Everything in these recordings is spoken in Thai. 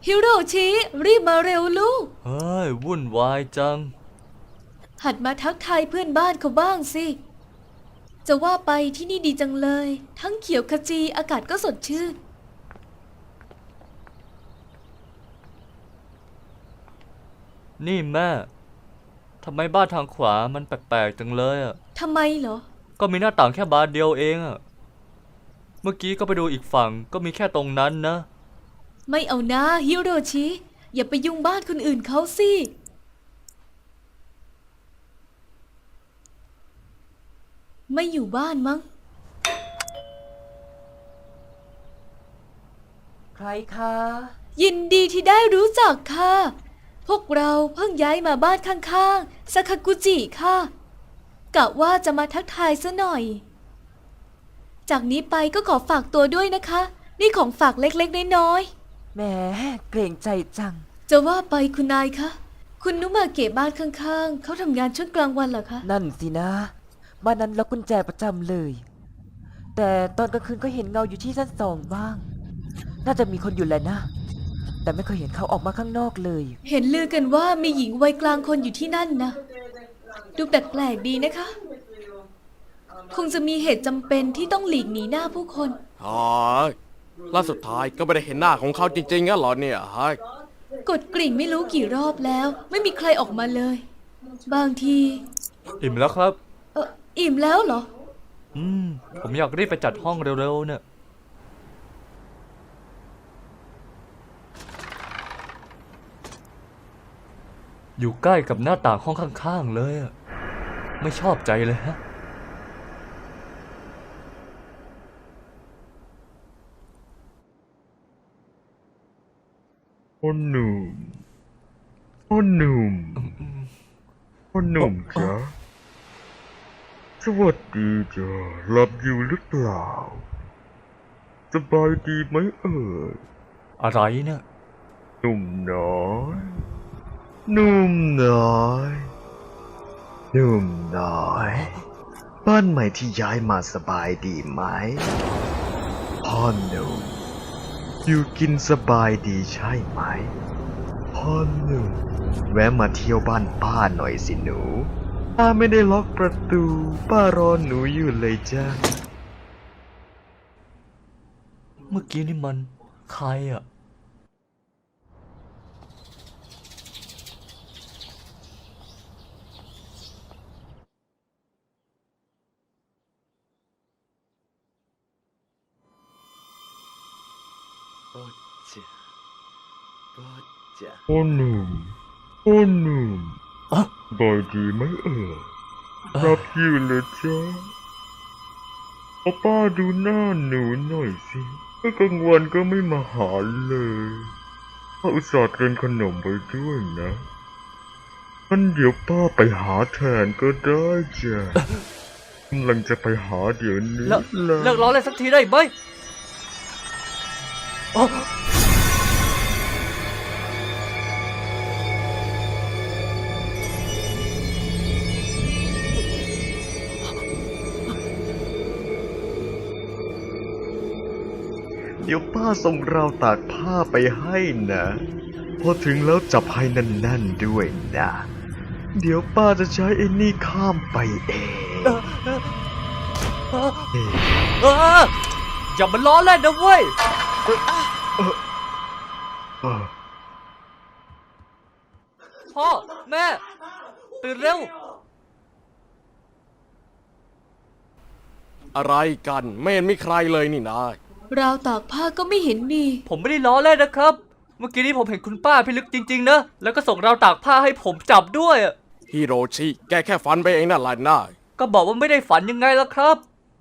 ฮิโรชิรีบมาเร็วลูกเฮ้ยวุ่นวายจังหัดมาทักทายเพื่อนบ้านเขาบ้างสิจะว่าไปที่นี่ดีจังเลยทั้งเขียวขจีอากาศก็สดชื่นนี่แม่ทำไมบ้านทางขวามันแปลกๆจังเลยอ่ะทำไมเหรอก็มีหน้าต่างแค่บานเดียวเองอ่ะเมื่อกี้ก็ไปดูอีกฝั่งก็มีแค่ตรงนั้นนะไม่เอานะฮิโรชิอย่าไปยุ่งบ้านคนอื่นเขาสิไม่อยู่บ้านมั้งใครคะยินดีที่ได้รู้จักค่ะ พวกเราเพิ่งย้ายมาบ้านข้างๆซาคากุจิค่ะกะว่าจะมาทักทายซะหน่อยจากนี้ไปก็ขอฝากตัวด้วยนะคะนี่ของฝากเล็กๆน้อยแหมเกรงใจจังๆจะว่าไปคุณนายคะคุณนุมาเกะบ้านข้างๆเขาทำงานช่วงกลางวันเหรอคะนั่นสินะบ้านนั้นล็อกกุญแจประจำเลย แต่ตอนกลางคืนก็เห็นเงาอยู่ที่ชั้น2บ้าง น่าจะมีคนอยู่แหละนะ แต่ไม่เคยเห็นเขาออกมาข้างนอกเลยเห็นลือกันว่ามีหญิงวัยกลางคนอยู่ที่นั่นนะดูแปลกๆดีนะคะคงจะมีเหตุจำเป็นที่ต้องหลีกหนีหน้าผู้คนอ๋อล่าสุดท้ายก็ไม่ได้เห็นหน้าของเขาจริงๆงั้นเหรอเนี่ยฮะกดกริ่งไม่รู้กี่รอบแล้วไม่มีใครออกมาเลย บางทีอิ่มแล้วครับอิ่มแล้วเหรอผมอยากรีบไปจัดห้องเร็วๆเนี่ยอยู่ใกล้กับหน้าต่างห้องข้างๆเลยอะไม่ชอบใจเลยฮะพ่อหนุ่มพ่อหนุ่มพ่อหนุ่มจ๊ะสวัสดีจ้ะหลับอยู่หรือเปล่าสบายดีไหมเอ่ยอะไรเนี่ยหนุ่มน้อยหนุ่มน้อยหนุ่มน้อยบ้านใหม่ที่ย้ายมาสบายดีไหมพ่อหนุ่มอยู่กินสบายดีใช่ไหมพ่อหนุ่มแวะมาเที่ยวบ้านป้าหน่อยสิหนูป้าไม่ได้ล็อกประตูป้ารอหนูอยู่เลยจ้าเมื่อกี้นี่มันใครอ่ะพ่อหนุ่มพ่อหนุ่มบายดีไหมเอ่ยรับอยู่เลยจ้าเอาป้าดูหน้าหนูหน่อยสิเมื่อกลางวันก็ไม่มาหาเลยป้าอุตส่าห์เตรียมขนมไว้ด้วยนะงั้นเดี๋ยวป้าไปหาแทนก็ได้จ้ะกำลังจะไปหาเดี๋ยวนี้เลิกร้องเลยสักทีได้ไหมเดี๋ยวป้าส่งราวตากผ้าไปให้นะพอถึงแล้วจับให้นั่นๆด้วยนะเดี๋ยวป้าจะใช้ไอ้นี่ข้ามไปเองอย่ามาล้อเล่นนะเว้ยพ่อแม่ตื่นเร็วอะไรกันไม่เห็นมีใครเลยนี่นะราวตากผ้าก็ไม่เห็นมีผมไม่ได้ล้อเล่นนะครับ เมื่อกี้นี้ผมเห็นคุณป้าพิลึกจริงๆนะแล้วก็ส่งราวตากผ้าให้ผมจับด้วยฮิโรชิแกแค่ฝันไปเองนั่นแหละนะก็บอกว่าไม่ได้ฝันยังไงล่ะครับ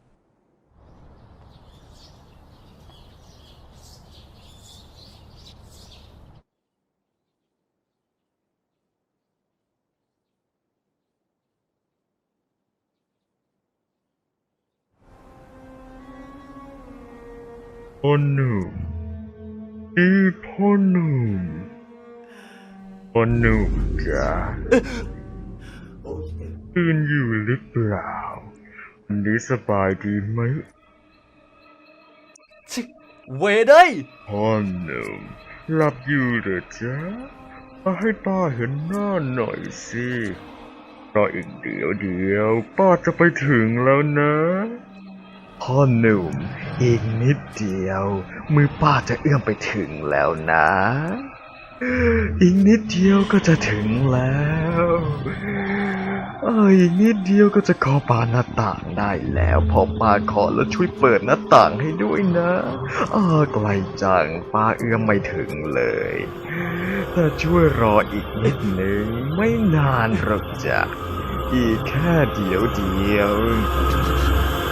พ่อหนุ่มพ่อหนุ่มพ่อหนุ่มจ้ะตื่นอยู่หรือเปล่าวันนี้สบายดีไหมเวเด้ยพ่อหนุ่มหลับอยู่เหรอจ๊ะมาให้ป้าเห็นหน้าหน่อยสิรออีกเดียวป้าจะไปถึงแล้วนะพ่อหนุ่มอีกนิดเดียวมือป้าจะเอื้อมไปถึงแล้วนะ อีกนิดเดียวก็จะถึงแล้วอีกนิดเดียวก็จะขอป้าหน้าต่างได้แล้วพอป้าขอแล้วช่วยเปิดหน้าต่างให้ด้วยนะไกลจังป้าเอื้อมไม่ถึงเลยแต่ช่วยรออีกนิดหนึ่งไม่นานหรอกจ้ะอีกแค่เดียว